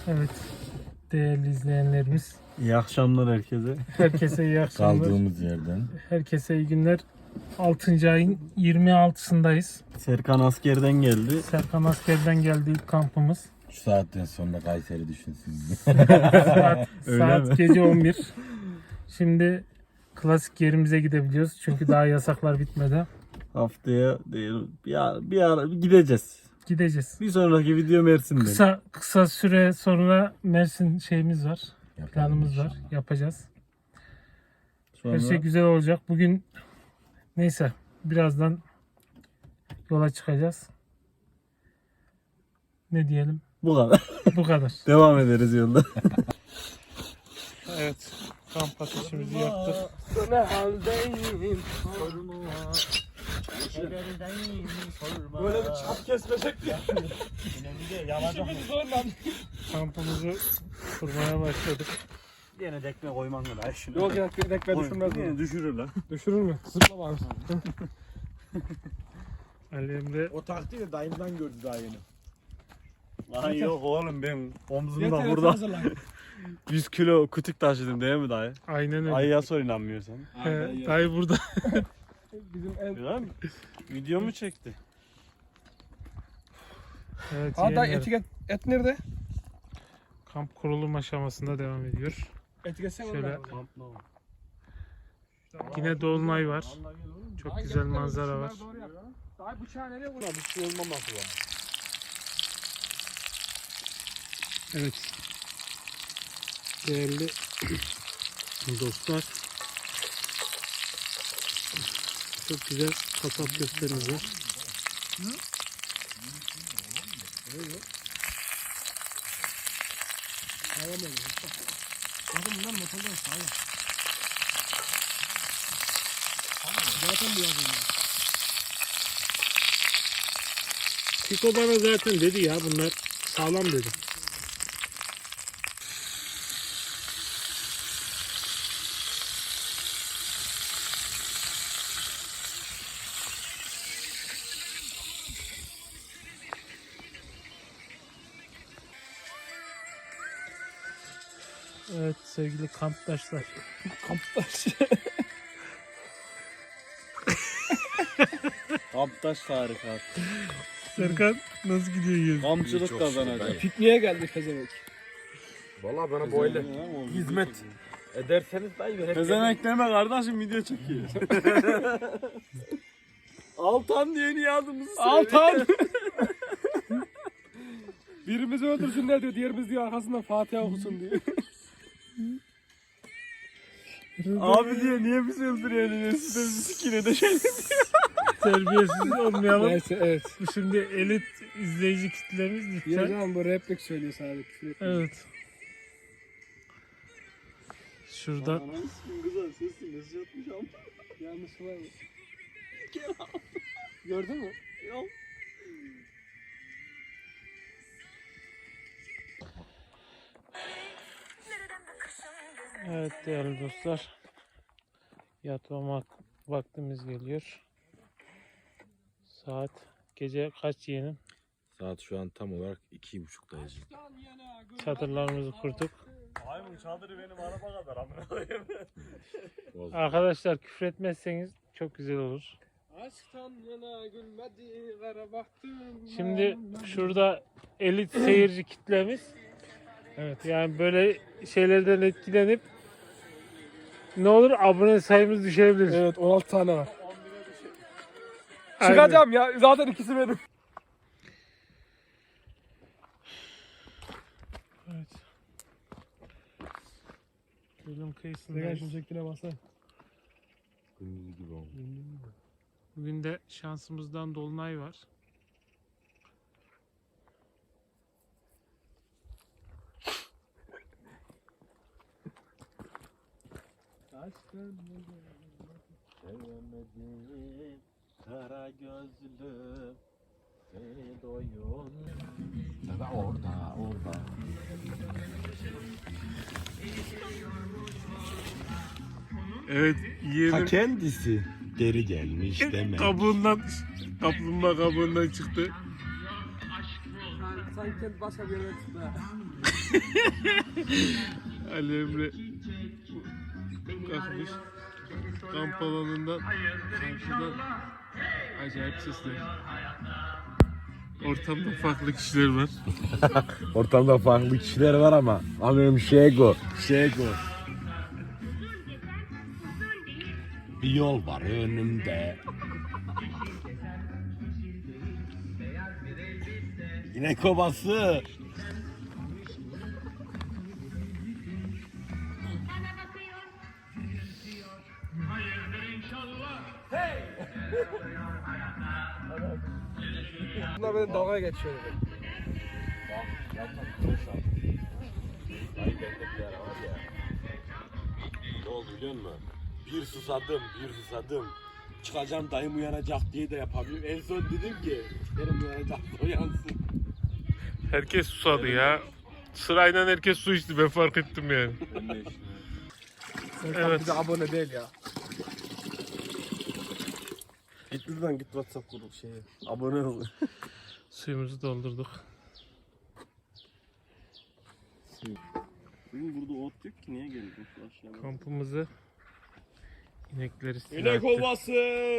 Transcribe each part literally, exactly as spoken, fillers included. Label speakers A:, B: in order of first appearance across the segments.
A: Evet, değerli izleyenlerimiz.
B: İyi akşamlar herkese.
A: Herkese iyi akşamlar.
C: Kaldığımız yerden.
A: Herkese iyi günler. altıncı ayın yirmi altısındayız.
B: Serkan askerden geldi.
A: Serkan askerden geldi ilk kampımız.
C: Şu saatten sonra Kayseri düşünsün.
A: Saat,
B: Öyle
A: saat
B: mi?
A: gece on bir. Şimdi klasik yerimize gidebiliyoruz. Çünkü daha yasaklar bitmedi.
B: Haftaya değil, bir ara, bir ara gideceğiz.
A: Gideceğiz.
B: Bir sonraki video Mersin'de.
A: Kısa kısa süre sonra Mersin şeyimiz var.
C: Yapalım
A: Planımız var.
C: inşallah.
A: Yapacağız.
B: Sonra
A: Her şey güzel olacak. Bugün neyse birazdan yola çıkacağız. Ne diyelim?
B: bu kadar.
A: Bu kadar.
B: Devam ederiz yolda.
A: Evet. Kamp ateşimizi yaktık.
B: Ne haldeyim Böyle bir çap kesmesek diye.
A: Kampımızı kurmaya başladık.
B: Yine dekme koyman da şunu.
D: Yok ya bir dakika düşürmez
B: Yine
D: mi?
B: düşürür lan.
D: Düşürür mü? Zıpla var.
A: Ali Emre
D: O taktiği de dayımdan gördü daha yeni.
B: Lan yok oğlum benim omzumda
D: Yeter
B: burada
D: hazırlan.
B: yüz kilo kütük taşıdım değil mi dayı?
A: aynen öyle.
B: Ayıya sor inanmıyorsan.
A: He, dayı burada.
D: Bizim en...
B: Lan video mu çekti?
A: Evet,
D: Aa dayı
A: yeğenler.
D: etiket. Et nerede?
A: Kamp kurulum aşamasında devam ediyor.
D: Etiketsene
A: Şöyle.
D: onu.
A: Yine dolunay var. Çok güzel manzara var.
D: Dayı bıçağı nereye koyuyor? Bir şey olmaması var.
A: Evet. Değerli dostlar. Çok güzel kasap köftemiz var.
D: Bakın bunlar motordan sağlam. Zaten bu yazıyor.
A: Piko bana zaten dedi ya bunlar sağlam dedi. Evet sevgili kamptaşlar.
D: Kamptaş.
B: Kamptaş tarikat.
A: Serkan nasıl gidiyor yıl?
B: Kamçılık kazanacak.
D: Pikniğe geldik pezevenk.
C: Valla bana böyle hizmet ederseniz dayı ben hep
B: Pezevenk deme kardeşim video çekiyor. Altan diye niye adımızı söylüyor?
D: Altan! Birimizi öldürsünler diyor, diğerimiz diyor arkasından Fatiha okusun diyor.
B: Abi diye niye bizi öldürüyor? Siz de bizi sikine de şey.
A: Terbiyesiz olmayalım.
D: Neyse evet.
A: Bu şimdi elit izleyici kitlemiz
D: Ya
A: lütfen.
D: canım bu replik söylüyor sadece. küfür etmiyor.
A: Evet. Şurada
B: Güzel sesli mesaj atmış ama.
D: Yanlış var mı? Gördün mü?
B: Yok.
A: evet değerli dostlar. Yatma vaktimiz geliyor. Saat gece kaç yeğenim?
C: Saat şu an tam olarak iki buçuktayız.
A: Çadırlarımızı kurduk.
B: Ay bu çadırı benim araba kadar amına koyayım.
A: Arkadaşlar küfür etmezseniz çok güzel olur.
D: Aşktan yana gülmedi kara baktım.
A: Şimdi şurada elit seyirci kitlemiz. Evet yani böyle şeylerden etkilenip ne olur abone sayımız düşebilir.
D: Evet on altı tane var.
A: Aynen.
D: Çıkacağım ya zaten ikisi benim.
A: Evet. Gölün
D: Gel
A: kıyısındayız.
D: şunu çektiğine baksana.
C: Gündüz gibi oldu.
A: Bugün de şansımızdan dolunay var.
C: Sevmedim kara gözlüm seni doyun. Orada orada orada.
A: Evet
C: Ta
A: yeğenim
C: kendisi geri gelmiş demek.
A: kabuğundan kaplumbağa kabuğundan çıktı.
B: sanki başka bir yere çıktı.
A: Ali Emre kalkmış kamp alanından karşıdan acayip sesler. Ortamda farklı kişiler var.
C: Ortamda farklı kişiler var ama benim Şego. Şego. Bir yol var önümde. Yine kovası.
D: Bunlar benim dalga geçiyor.
C: Ne oldu biliyor musun? Bir susadım, bir susadım. Çıkacağım dayım uyanacak diye de yapamıyorum. En son dedim ki, benim uyanacak da uyansın.
A: Herkes susadı ya. Sırayla herkes su içti, ben fark ettim yani.
D: Sen
A: Evet.
D: bize abone değil ya.
B: Git buradan git WhatsApp grubu şeye. Abone ol.
A: Suyumuzu doldurduk.
B: Bugün burada ot yok ki niye geldin aşağıya?
A: Kampımızı inekleri istila
C: İnek
A: etti.
C: ovası.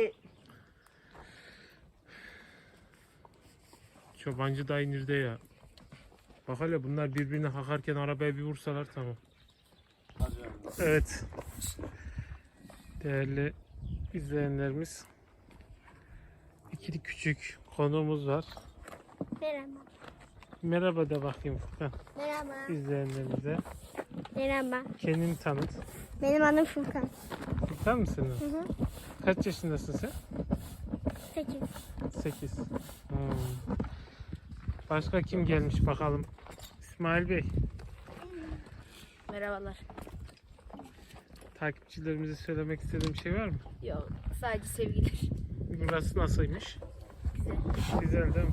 A: Çobancı dayı nerede ya? Bak hele bunlar birbirine hakarken arabaya bir vursalar tamam. Evet. Değerli izleyenlerimiz. İkili küçük konuğumuz var.
E: Merhaba.
A: Merhaba de bakayım Furkan
E: Merhaba.
A: izleyenlerimize.
E: Merhaba.
A: Kendini tanıt.
E: Benim adım Furkan.
A: Furkan mısın?
E: Hı hı.
A: Kaç yaşındasın sen?
E: Sekiz.
A: sekiz. Hmm. Başka kim gelmiş bakalım? İsmail Bey.
F: Merhabalar.
A: Takipçilerimize söylemek istediğim bir şey var mı?
F: Yok, sadece sevgiler.
A: Burası nasılmış?
F: Güzel.
A: Güzel değil mi?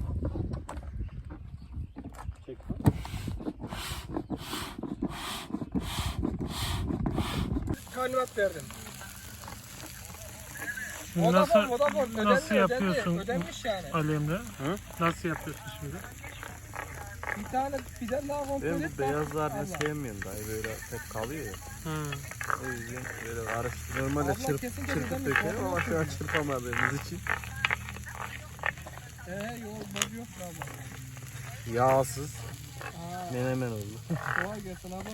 D: Talimat verdim.
A: Şimdi
D: Vodafone,
A: nasıl,
D: Vodafone. Ödendi,
A: nasıl
D: ödendi.
A: yapıyorsun
D: Ödenmiş yani.
A: Ali Emre? Nasıl yapıyorsun şimdi?
D: Bir tane birden daha kontrol
B: Ben
D: et.
B: bu beyazlarını sevmiyorum dayı böyle tek kalıyor ya.
A: Ha.
B: O yüzden böyle karıştır. Normalde
D: Abla
B: çırp,
D: kesin
B: çırpıp
D: ödemiş,
B: dökerim ama şu an
D: olmaz.
B: çırpamadığımız için.
D: Eee yol boz yok mu abla?
B: Yağsız
D: Aa,
B: menemen oldu.
D: kolay gelsin abi.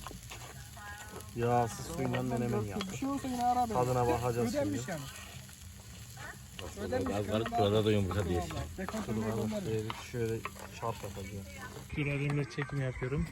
B: Yağsız suyla menemen yaptık.
D: Bir şey olsa yine ara beni.
B: Tadına bakacağız
D: Ödenmiş
B: şimdi.
D: yani. Ödenmiş.
C: Az garip burada da yumurta değil.
D: Dekontunu
B: Dur bana
D: gönderiyor.
B: şöyle, şöyle çarp yapacağım.
A: Dur Ali Emre çekim yapıyorum.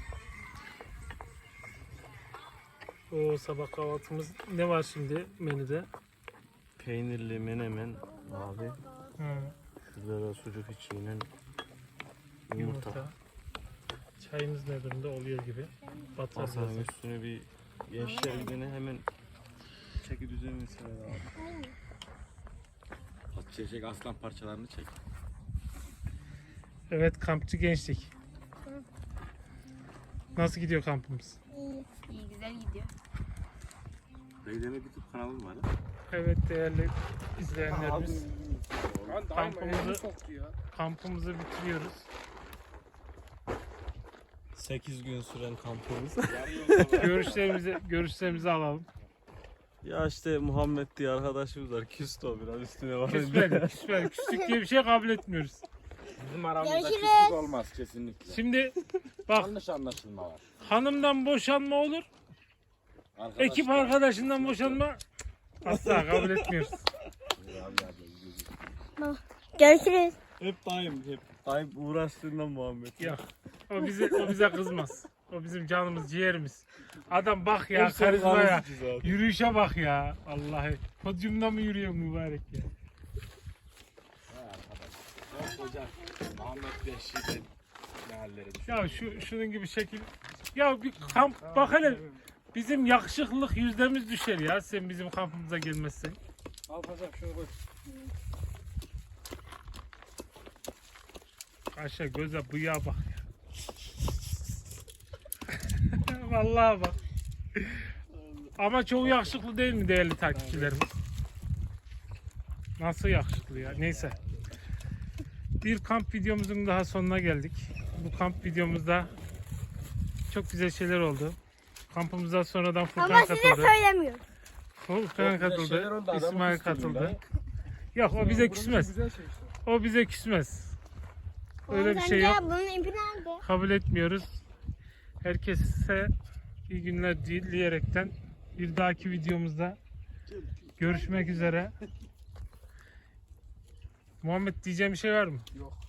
A: O sabah kahvaltımız ne var şimdi menüde?
B: Peynirli menemen abi.
A: Ha,
B: Şurada da sucuk içiyle yumurta.
A: yumurta. Çayımız ne durumda oluyor gibi. Batar
B: Masanın
A: biraz.
B: üstüne bir gençler günü hemen çeki düzeni sever abi.
C: Çek aslan parçalarını çek.
A: Evet kampçı gençlik. Nasıl gidiyor kampımız?
E: İyi.
F: İyi, güzel gidiyor.
C: Dayı demek YouTube kanalım var.
A: Evet değerli izleyenlerimiz.
D: Lan daima
A: Kampımızı-
D: elini soktu ya.
A: Kampımızı bitiriyoruz.
B: sekiz gün süren kampımız.
A: Görüşlerimizi görüşlerimizi alalım.
B: Ya işte Muhammed diye arkadaşımız var. Küstü o biraz üstüne var.
A: Küsmedik, küsmedik. Küslük diye bir şey kabul etmiyoruz.
C: Bizim aramızda
E: Görüşürüz.
C: küslük olmaz kesinlikle.
A: Şimdi bak
C: Yanlış anlaşılma var.
A: hanımdan boşanma olur.
C: Arkadaşlar.
A: Ekip arkadaşından boşanma asla kabul etmiyoruz.
E: Görüşürüz.
B: Hep daim hep. Daim uğraştığından Muhammed.
A: Yok. O bize o bize kızmaz. O bizim canımız, ciğerimiz. Adam bak ya,
B: Hep sen
A: karizmaya.
B: kalıcı zaten.
A: Yürüyüşe bak ya. Vallahi. Podyumda mı yürüyor mübarek ya?
C: Hocam Muhammed Beşik'in ne halleri düşün.
A: Ya şu şunun gibi şekil. Ya bir kamp bak hele. Bizim yakışıklılık yüzdemiz düşer ya sen bizim kampımıza gelmezsen.
D: Al paşam şunu koy.
A: Aşağı göze bıyığa bak ya. Vallahi bak. Ama çoğu yakışıklı değil mi değerli takipçilerimiz? Nasıl yakışıklı ya? Neyse. Bir kamp videomuzun daha sonuna geldik. bu kamp videomuzda çok güzel şeyler oldu. Kampımıza sonradan Furkan
E: Ama size
A: katıldı.
E: söylemiyorum.
A: Furkan katıldı. İsmail katıldı. Yok o bize
D: Burası
A: küsmez.
D: Güzel şey işte.
A: O bize küsmez. Öyle bir
E: Sen
A: şey
E: de
A: yok.
E: Bunun ipi nerede?
A: Kabul etmiyoruz. Herkese iyi günler dileyerekten bir dahaki videomuzda görüşmek üzere. Muhammed diyeceğim bir şey var mı?
D: Yok.